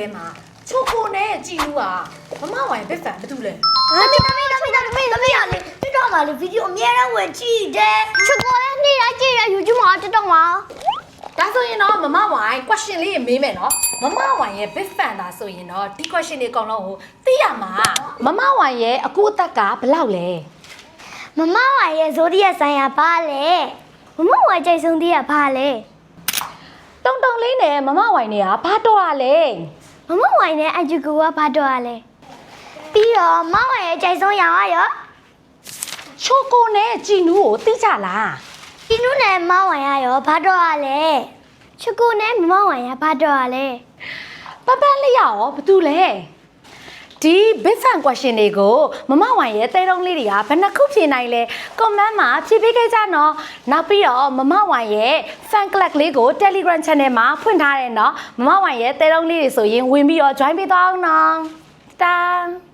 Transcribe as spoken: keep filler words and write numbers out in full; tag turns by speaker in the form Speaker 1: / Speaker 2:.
Speaker 1: ထဲမှာချိုကိုနဲ့ကြည်လူကမမဝိုင်ဘက်ဖန်ဘာတူလဲ
Speaker 2: ။သမီးသမီးသမီးသမီးသမီးရလေတက်တော့မှလေဗီဒီယိုအများအားဝင်ကြည့်တယ်။ချစ်ကိုလည်းနေ့တိုင်းကြည့်ရ YouTube မှာတက်တော့မှာ
Speaker 1: ဒါဆိုရင်တော့မမဝိုင် question လေးမေးမယ်နော်မမဝိုင်ရဲ့ big fan ဒါဆိုရင်တော့ဒီ question တွေအကုန်လုံးကိုသိရမှာမမဝိုင်ရဲ့အကူအသက်ကဘယ်လောက်လဲ
Speaker 2: ။မမဝိုင်ရဲ့ဇိုဒီယက်ဆိုင်ရာဘာလဲ။မမဝိုင်ကြိုက်ဆုံးသေးရဘာလဲ
Speaker 1: တုံတုံလေးနဲ့မမဝိုင်တွေကဘာတော့ရလဲ
Speaker 2: ။မမဝိုင်နဲ့အဂျူကိုကဘာတော့ရလဲ။ပြီးတော့မမဝိုင်ရဲ့ကြိုက်ဆုံးရောင်ကရော
Speaker 1: ချိုကိုနဲ့ကြည်နူးကိုသိကြလား
Speaker 2: ဒီနုနဲ့မမဝိုင်ရရောဘာတော့ရလဲ။ချစ်ကိုနဲ့မမဝိုင်ရဘာတော့ရလဲ
Speaker 1: ပပန်းလေးရောဘာတူလဲဒီ big fan question တွေကိုမမဝိုင်ရဲ့တဲတုံးလေးတွေကဘယ်နှခုဖြေနိုင်လဲ comment မှာဖြေပေးခဲ့ကြနော်နောက်ပြီးတော့မမဝိုင်ရဲ့ fan club လေးကို Telegram channel မှာဖွင့်ထားတယ်နော်မမဝိုင်ရဲ့တဲတုံးလေးတွေဆိုရင်ဝင်ပြီးတော့ join ပေးသွားအောင်နော်တန်